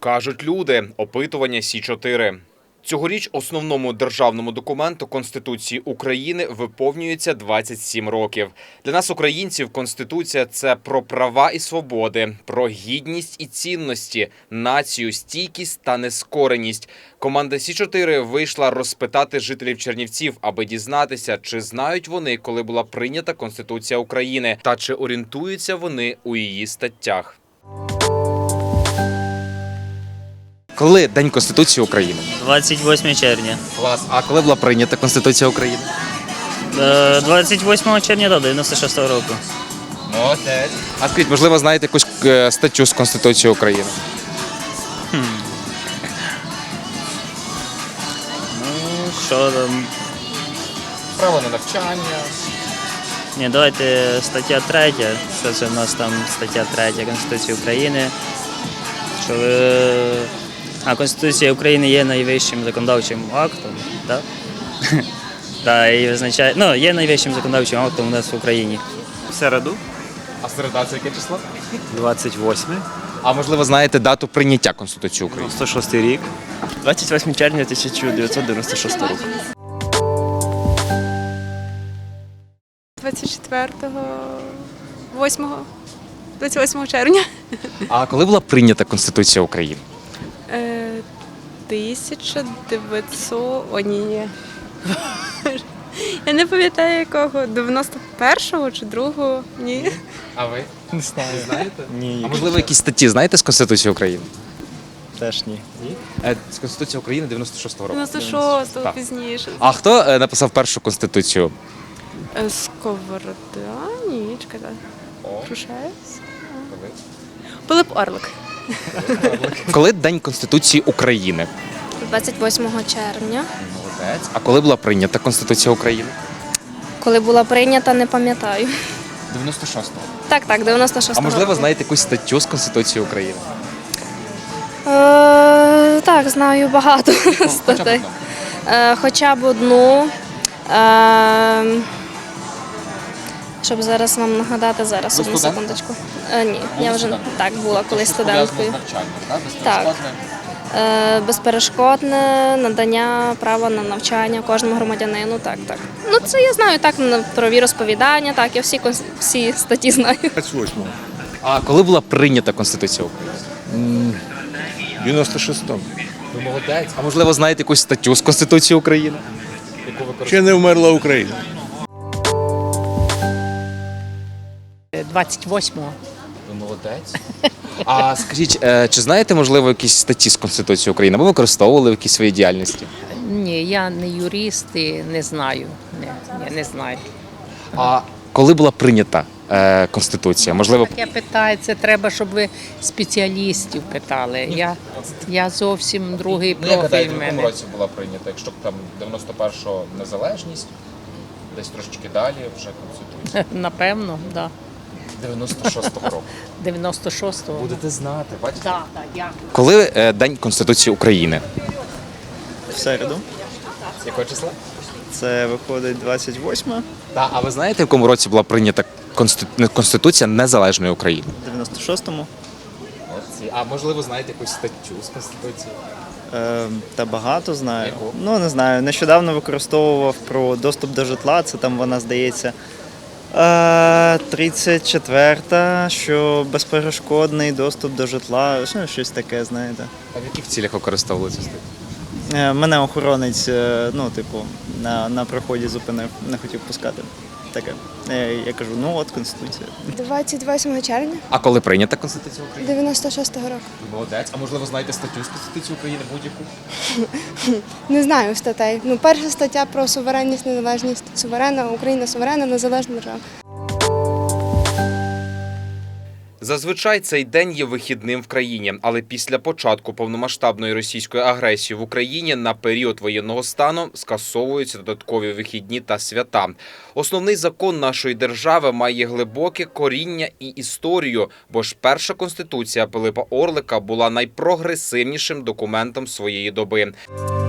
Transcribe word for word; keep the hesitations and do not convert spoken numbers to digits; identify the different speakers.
Speaker 1: Кажуть люди. Опитування Сі чотири. Цьогоріч основному державному документу Конституції України виповнюється двадцять сім років. Для нас, українців, Конституція – це про права і свободи, про гідність і цінності, націю, стійкість та нескореність. Команда Сі чотири вийшла розпитати жителів Чернівців, аби дізнатися, чи знають вони, коли була прийнята Конституція України, та чи орієнтуються вони у її статтях. Коли День Конституції України?
Speaker 2: двадцять восьмого червня.
Speaker 1: Клас. А коли була прийнята Конституція України?
Speaker 2: Е, двадцять восьмого червня до дев'яносто шостого року.
Speaker 1: Молодець. А скажіть, можливо, знаєте якусь е, статтю з Конституції України?
Speaker 2: Хм. Ну, що там?
Speaker 1: Право на навчання.
Speaker 2: Ні, давайте стаття третя. Що це в нас там стаття третя Конституції України? Що ви... А Конституція України є найвищим законодавчим актом, так? Так, і визначає, ну, є найвищим законодавчим актом у нас в Україні.
Speaker 3: В середу,
Speaker 1: А середа це яке число?
Speaker 3: двадцять восьме,
Speaker 1: А можливо, знаєте дату прийняття Конституції України?
Speaker 3: дев'яносто шостий рік. двадцять восьмого червня тисяча дев'ятсот дев'яносто шостого року.
Speaker 4: двадцять четвертого, восьмого, двадцять восьмого червня.
Speaker 1: А коли була прийнята Конституція України?
Speaker 4: Е, тисяча дев'ятсот... О, ні, ні. Я не пам'ятаю якого. дев'яносто першого чи другого? Ні.
Speaker 1: А ви?
Speaker 3: Не знаю.
Speaker 1: Знаєте?
Speaker 3: Ні,
Speaker 1: А можливо, якісь статті знаєте з Конституції України?
Speaker 3: теж ні.
Speaker 1: Е, З Конституції України дев'яносто шостого року.
Speaker 4: дев'яносто шостого
Speaker 1: Так.
Speaker 4: пізніше.
Speaker 1: А хто е, написав першу Конституцію?
Speaker 4: Е, Сковорода? Ні, чекайте. Крушевець? Пилип Орлик.
Speaker 1: Коли День Конституції України?
Speaker 5: двадцять восьмого червня.
Speaker 1: Молодець. А коли була прийнята Конституція України?
Speaker 5: Коли була прийнята, не пам'ятаю.
Speaker 1: дев'яносто шостого.
Speaker 5: Так, так, дев'яносто шостого.
Speaker 1: А можливо,
Speaker 5: року.
Speaker 1: знаєте якусь статтю з Конституції України?
Speaker 5: Е, так, знаю багато статей. Е, хоча б одну. Е, щоб зараз вам нагадати, зараз,
Speaker 1: Ви
Speaker 5: одну
Speaker 1: студентка?
Speaker 5: секундочку. Е, ні,
Speaker 1: Були
Speaker 5: я вже
Speaker 1: студенткою?
Speaker 5: так була колись студенткою.
Speaker 1: так?
Speaker 5: Так. Е, безперешкодне надання права на навчання кожному громадянину. Так, так. Ну це я знаю так на- про віросповідання, так, я всі, кон- всі статті знаю.
Speaker 6: двадцять восьмого.
Speaker 1: А коли була прийнята Конституція України?
Speaker 6: дев'яносто шостому.
Speaker 1: Ви молодець. А можливо, знаєте якусь статтю з Конституції України? Яку ви
Speaker 6: Ще не вмерла Україна.
Speaker 7: двадцять восьмого.
Speaker 1: Ви молодець. А скажіть, е, чи знаєте, можливо, якісь статті з Конституції України? Або використовували в якійсь своїй діяльності?
Speaker 7: Ні, я не юрист і не знаю. Ні, ні, не знаю.
Speaker 1: А коли була прийнята е, Конституція? Можливо,
Speaker 7: Таке питає, це треба, щоб ви спеціалістів питали. Я, я зовсім другий профіль в мене.
Speaker 1: була прийнята? Якщо б там дев'яносто першого незалежність, десь трошечки далі вже Конституція.
Speaker 7: Напевно, да.
Speaker 1: дев'яносто шостого року.
Speaker 7: дев'яносто шостого.
Speaker 1: Будете знати, бачите?
Speaker 7: Так, так, дякую.
Speaker 1: Коли е, День Конституції України?
Speaker 3: В середу.
Speaker 1: Якого числа?
Speaker 3: Це виходить двадцять восьме,
Speaker 1: Так, а ви знаєте, в якому році була прийнята Конститу- Конституція Незалежної України?
Speaker 3: в дев'яносто шостому.
Speaker 1: А можливо, знаєте якусь статтю з Конституції?
Speaker 3: Е, та багато знаю.
Speaker 1: Яку?
Speaker 3: Ну, не знаю. Нещодавно використовував про доступ до житла. Це там вона, здається, е, тридцять четверта, що безперешкодний доступ до житла. Ну, щось таке, знаєте.
Speaker 1: А в яких цілях використовували цю статтю?
Speaker 3: Е, Мене охоронець, е, ну, типу, на, на проході зупинив, не хотів пускати. Таке. Е, Я кажу, ну от Конституція.
Speaker 8: двадцять восьмого червня
Speaker 1: А коли прийнята Конституція України?
Speaker 8: дев'яносто шостого року.
Speaker 1: Молодець. А можливо, знаєте статтю з Конституції України будь-яку?
Speaker 8: Не знаю статей. Ну, перша стаття про суверенність, незалежність. Суверенна, Україна суверенна, незалежна держава.
Speaker 1: Зазвичай цей день є вихідним в країні, але після початку повномасштабної російської агресії в Україні на період воєнного стану скасовуються додаткові вихідні та свята. Основний закон нашої держави має глибоке коріння і історію, бо ж перша конституція Пилипа Орлика була найпрогресивнішим документом своєї доби.